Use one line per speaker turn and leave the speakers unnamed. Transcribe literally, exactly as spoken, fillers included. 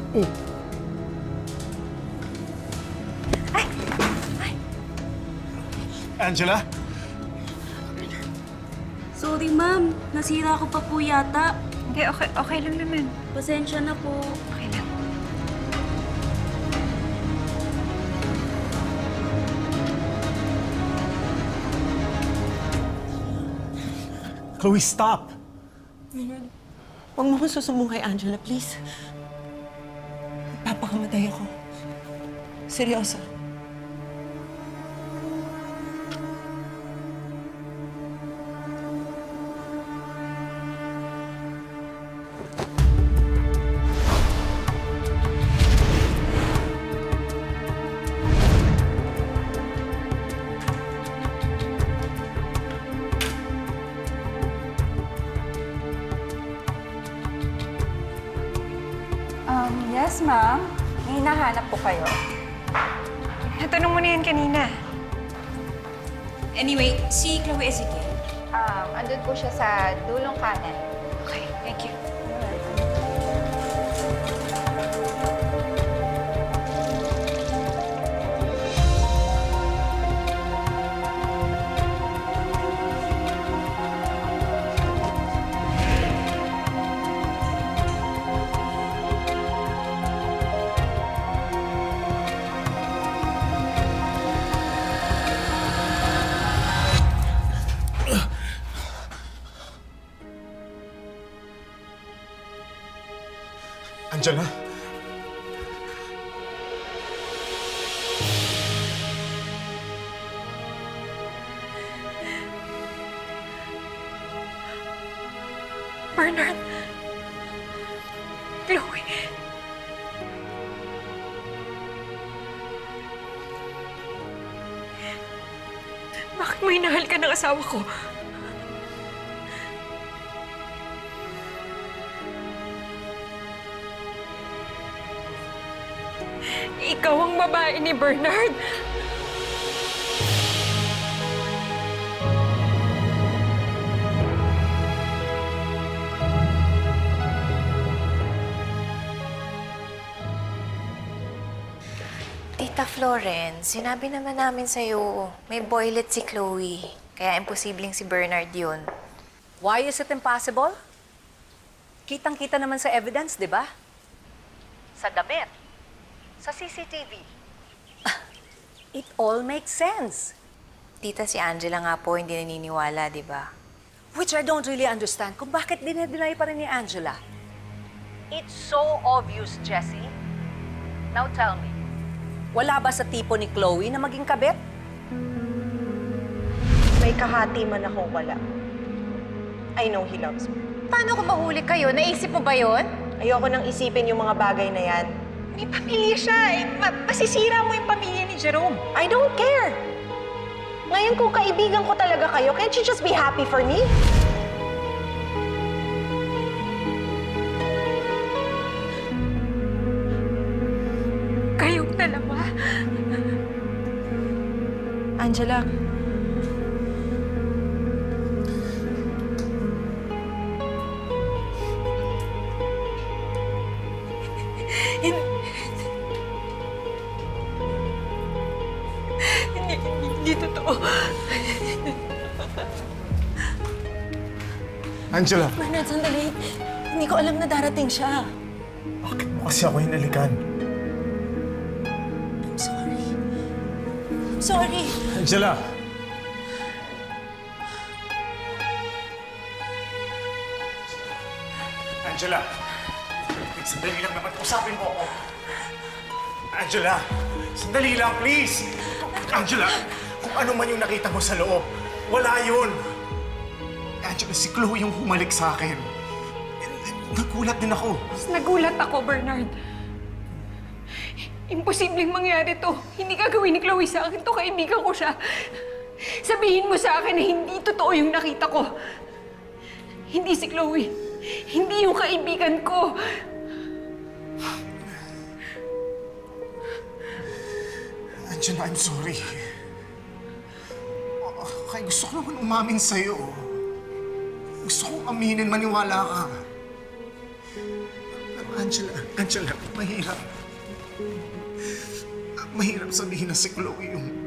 Mm.
Ay! Ay!
Angela?
Sorry, ma'am. Nasira ko pa po yata.
Hindi, okay, okay lang naman.
Pasensya na po.
Okay lang.
Chloe, stop!
Huwag mo kong susumbong kay Angela, please. Papakamatay ako. Seryoso.
Um, yes, ma'am. May hinahanap po kayo. Natanong mo na yan kanina.
Anyway, si Chloe Ezekiel.
Um, andun po siya sa dulong kanan. Okay, thank you.
Angela?
Bernard! Chloe! Bakit mo hinahal ka ng asawa ko? Ikaw ang babae ni Bernard!
Tita Florence, sinabi naman namin sa'yo, may boylet si Chloe. Kaya imposibleng si Bernard yun.
Why is it impossible? Kitang-kita naman sa evidence, di ba? Sa damit. Sa C C T V. It all makes sense.
Tita, si Angela nga po hindi naniniwala, di ba?
Which I don't really understand kung bakit dinedeny pa rin ni Angela. It's so obvious, Jessie. Now tell me, wala ba sa tipo ni Chloe na maging kabit?
May kahati man ako wala. I know he loves me.
Paano kung mahuli kayo? Naisip mo ba yun?
Ayoko nang isipin yung mga bagay na yan.
May pamilya siya eh. Ma- masisira mo yung pamilya ni Jerome.
I don't care! Ngayon kung kaibigan ko talaga kayo, can't you just be happy for me?
Kayong dalawa.
Angela,
Hindi, hindi, hindi totoo.
Angela!
Bernard, sandali. Hindi ko alam na darating siya.
Bakit mo kasi ako hinalikan?
I'm sorry. I'm sorry.
Angela! Angela! Sandali lang naman. Usapin mo ako. Angela! Sandali lang, please! Angela! Kung ano man yung nakita mo sa loob, wala yun! Angela, si Chloe yung humalik sa akin. Nagulat din ako.
Mas nagulat ako, Bernard. Imposibleng mangyari to. Hindi gagawin ni Chloe sa akin to. Kaibigan ko siya. Sabihin mo sa akin na hindi totoo yung nakita ko. Hindi si Chloe. Hindi yung kaibigan ko.
Angela, I'm sorry. Kaya gusto ko naman umamin sa'yo. Gusto kong aminin, maniwala ka. Pero Angela, Angela, mahirap. Mahirap sabihin na si Chloe yung